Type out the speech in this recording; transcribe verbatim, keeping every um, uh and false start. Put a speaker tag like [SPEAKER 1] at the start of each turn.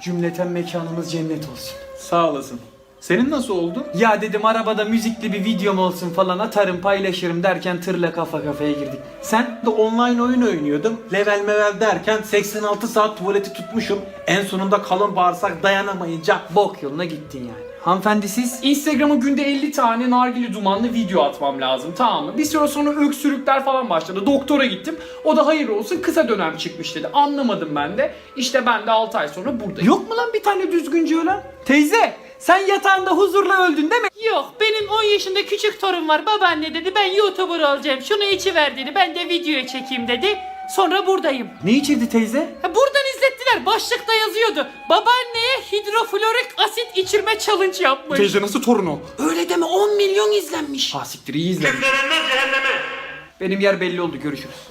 [SPEAKER 1] Cümleten mekanımız cennet olsun.
[SPEAKER 2] Sağ olasın. Senin nasıl oldu?
[SPEAKER 1] Ya dedim arabada müzikli bir videom olsun falan, atarım paylaşırım derken tırla kafa kafaya girdik. Sen?
[SPEAKER 2] De online oyun oynuyordum. Level mevel derken seksen altı saat tuvaleti tutmuşum. En sonunda kalın bağırsak dayanamayınca
[SPEAKER 1] Bok yoluna gittin yani. Hanımefendi siz?
[SPEAKER 3] Instagram'a günde elli tane nargile dumanlı video atmam lazım, tamam mı? Bir süre sonra öksürükler falan başladı. Doktora gittim. O da hayır olsun kısa dönem çıkmış dedi. Anlamadım ben de. İşte ben de altı ay sonra buradayım.
[SPEAKER 1] Yok mu lan bir tane düzgünce ölen? Teyze sen yatağında huzurla öldün değil mi?
[SPEAKER 4] Yok, benim on yaşında küçük torun var. Babaanne dedi ben YouTuber olacağım. Şunu içiver dedi. Ben de videoya çekeyim dedi. Sonra buradayım.
[SPEAKER 1] Ne içirdi teyze?
[SPEAKER 4] Ha, buradan izlettiler. Başlıkta yazıyordu. Babaanneye hidroflorik asit içirme challenge yapmış.
[SPEAKER 2] teyze nasıl torun o?
[SPEAKER 4] Öyle deme, on milyon izlenmiş.
[SPEAKER 1] Ha siktir, iyi izledim. Benim yer belli oldu, görüşürüz.